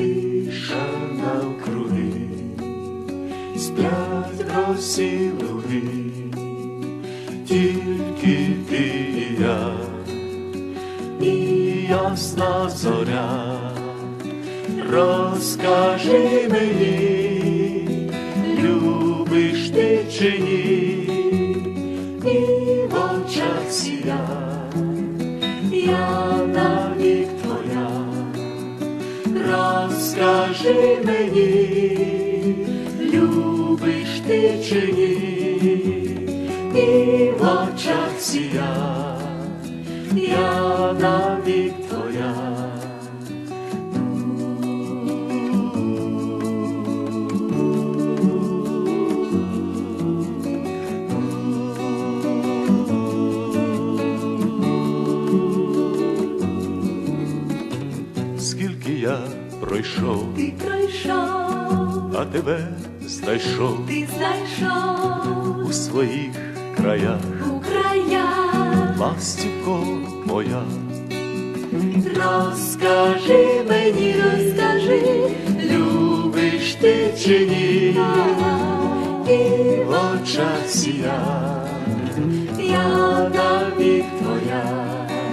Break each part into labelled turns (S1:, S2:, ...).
S1: тиша навкруги, сплять в росі луги, тільки ти і я, і ясна зоря. Розкажи мені, любиш ти чи ні, і в очах сія, я навік твоя. Розкажи мені, любиш ти чи ні, і в очах сія, я навік твоя. Скільки я пройшов,
S2: ти пройшов,
S1: а тебе знайшов,
S2: ти знайшов
S1: у своїх краях,
S2: у краях.
S1: ластівко моя.
S2: Розкажи мені, розкажи,
S1: Любиш ти чи ні,
S2: і
S1: в очах сія,
S2: я
S1: навік твоя.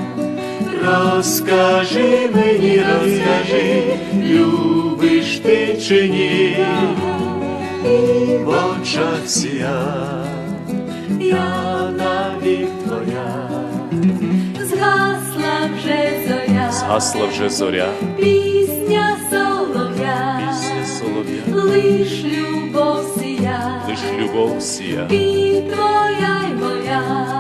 S1: Розкажи мені, розкажи, любиш ти чи ні,
S2: і
S1: в очах сія,
S2: я
S1: навік твоя.
S2: згасла вже зоря,
S1: Згасла вже зоря,
S2: пісня солов'я,
S1: пісня солов'я,
S2: лиш любов сія,
S1: лиш любов сія.
S2: і твоя й моя.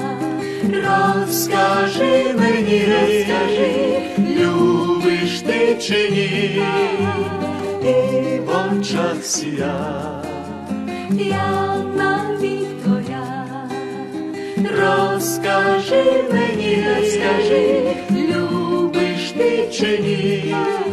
S1: Розкажи мені, розкажи, любиш ти чи ні, і в очах сія,
S2: Я навік твоя.
S1: розкажи мені, розкажи, любиш ти чи ні,